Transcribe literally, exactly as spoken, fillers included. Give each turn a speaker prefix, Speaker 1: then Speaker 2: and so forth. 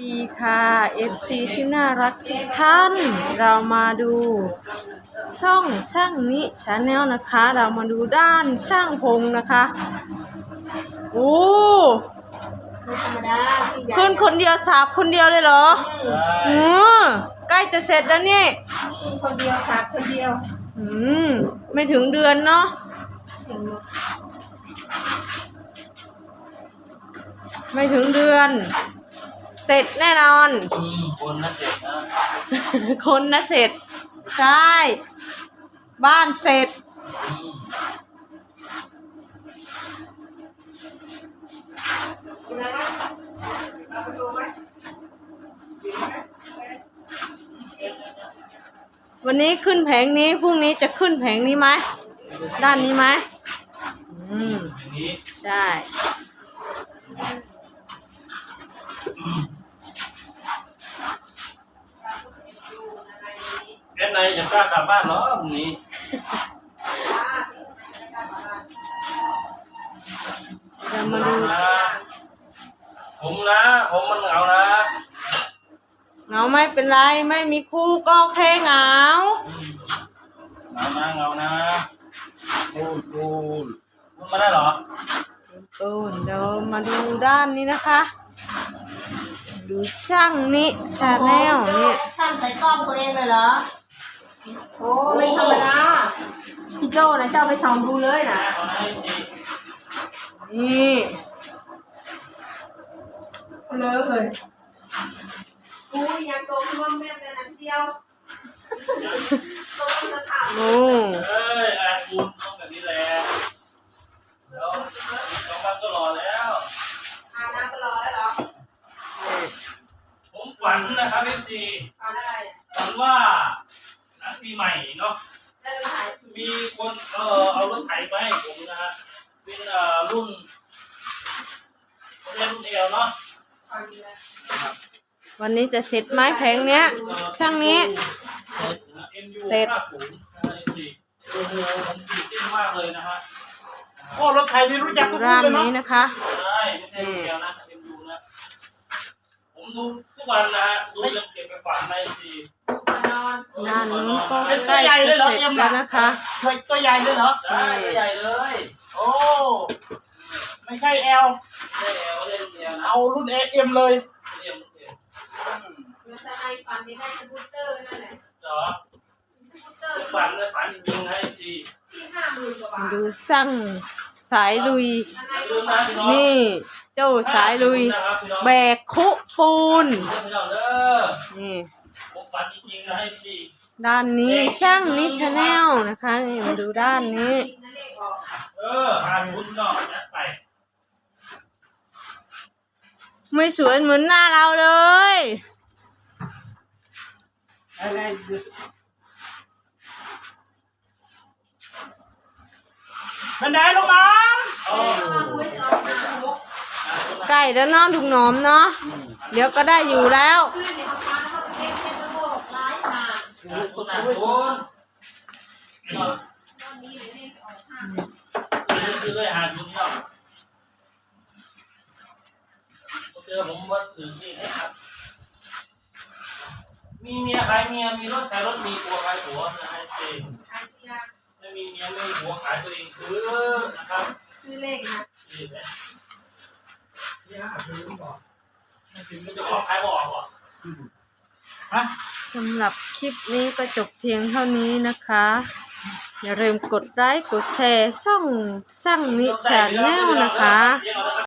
Speaker 1: ดีค่ะ เอฟ ซี ที่น่ารักทุกท่านเรามาดูช่องช่างนิชาแนลนะคะเรามาดูด้านช่างพงนะคะโอ้ขึ้นคนเดียวสาบคนเดียวเลยเหรออืมใกล้จะเสร็จแล้วนี่
Speaker 2: คนเดียวสาบคนเดียว
Speaker 1: อืมไม่ถึงเดือนเนาะไม่ถึงเดือนเสร็จแน่นอน
Speaker 3: คนน่ะเสร็จนะ
Speaker 1: คนน่ะเสร็จใช่บ้านเสร็จวันนี้ขึ้นแผงนี้พรุ่งนี้จะขึ้นแผงนี้ไหมด้านนี้ไหมอืมใช่
Speaker 3: แอนไหนจะกล้ากลับบ้านเหรอพรุ่งนี้
Speaker 1: เรามาดู
Speaker 3: ผมนะผมมันเหงานะ
Speaker 1: เหงาไม่เป็นไรไม่มีคู่ก็แค่เหงา
Speaker 3: เหงานะเหงานะพูดพูดพูดมาได้เหรอ
Speaker 1: ตูนเดี๋ยวมาดูด้านนี้นะคะดูช่างนี้ชาแนลนี่
Speaker 2: ช่างใส่กล้องตัวเองเลยเหรอโอ้ไม่ธรรมดาพี่โจ้นะเจ้าไปส่องดูเลยนะ
Speaker 1: นี่
Speaker 2: เลิกเลยกูยังโตขึ้นว่าแม่เป็นนักเที่ยว
Speaker 1: โอ้
Speaker 3: เอ้ยอาคุณต้องแบบนี้แหละแล้วสองวันก็รอแล้ว
Speaker 2: อาน้ำไปรอแล้วเหรอ
Speaker 3: ผมฝันนะครับพี่ซีฝันว่าหนังปีใหม่เนาะมีคนเออเอารถไถไปให้ผมนะฮะเป็นเอ่อรุ่นเขาเรียกรุ่นเอลเนาะ
Speaker 1: วันนี้จะเสร็จไหมแผงเนี้ยช่างนี้เสร็จ
Speaker 3: โอ้โหผมตื่นเต้นมากเลยนะฮะ
Speaker 4: โอ้รถไถนี่รู้จักทุก
Speaker 1: ร้าน
Speaker 4: เลยเนาะ
Speaker 1: นี้นะคะ
Speaker 3: ใช่ไม่ใช่เดียวนะเอ็มดูนะผมดูทุกวันนะฮะดูจนเก็บไปฝันในที
Speaker 1: ด้านนู้นก็ใกล้จะเสร็จแล้วนะคะ
Speaker 4: ตัวใหญ่เลยเหรอ
Speaker 3: ใช่ตัวใหญ่เลย
Speaker 4: โอ้ไม่ใช่แอล
Speaker 3: ใช่แอลเล่นเดียวนะ
Speaker 4: เอารุ่นเอ็มเลย
Speaker 3: เอ็มเอ็ม
Speaker 2: เมื่อทนายฝันนี่ได้สกูตเตอร์นั่นแหละ
Speaker 3: เหรอฝันเลยฝันจริงๆให้ที
Speaker 2: ที่ห้าหมื่นกว่าบาท
Speaker 1: ดูสั่งสายลุยนี่เจ้าสายลุยแบกคุปูนนี่ด้านนี้ช่างนิชาแนลนะคะนี่มาดูด้านนี้
Speaker 3: เออหาชุดนอกยัดไป
Speaker 1: ไม่สวยเหมือนหน้าเราเลย
Speaker 4: บันไดลงมา
Speaker 1: ใกล้แล้วน้องถุงหนอมเนาะเดี๋ยวก็ได้อยู่แล้ว
Speaker 3: คือเลยหาชุดนอกเจอผมว่าตื่นที่ไหนครับมีเมียขายเมียมีรถขายรถมีผัวขายผัวนะฮะเองไม่มีเมียไม่มีผัวขายตัวเองซื้อนะครับ
Speaker 2: ซื้อเลขนะ
Speaker 3: ซื้อเลยนี่ฮะซื้อบอกไม่ถึงก็จะออกขายบอกอ่ะ
Speaker 4: ฮะ
Speaker 1: สำหรับคลิปนี้ก็จบเพียงเท่านี้นะคะอย่าลืมกดไลค์กดแชร์ช่องช่างนิชาแนลนะคะ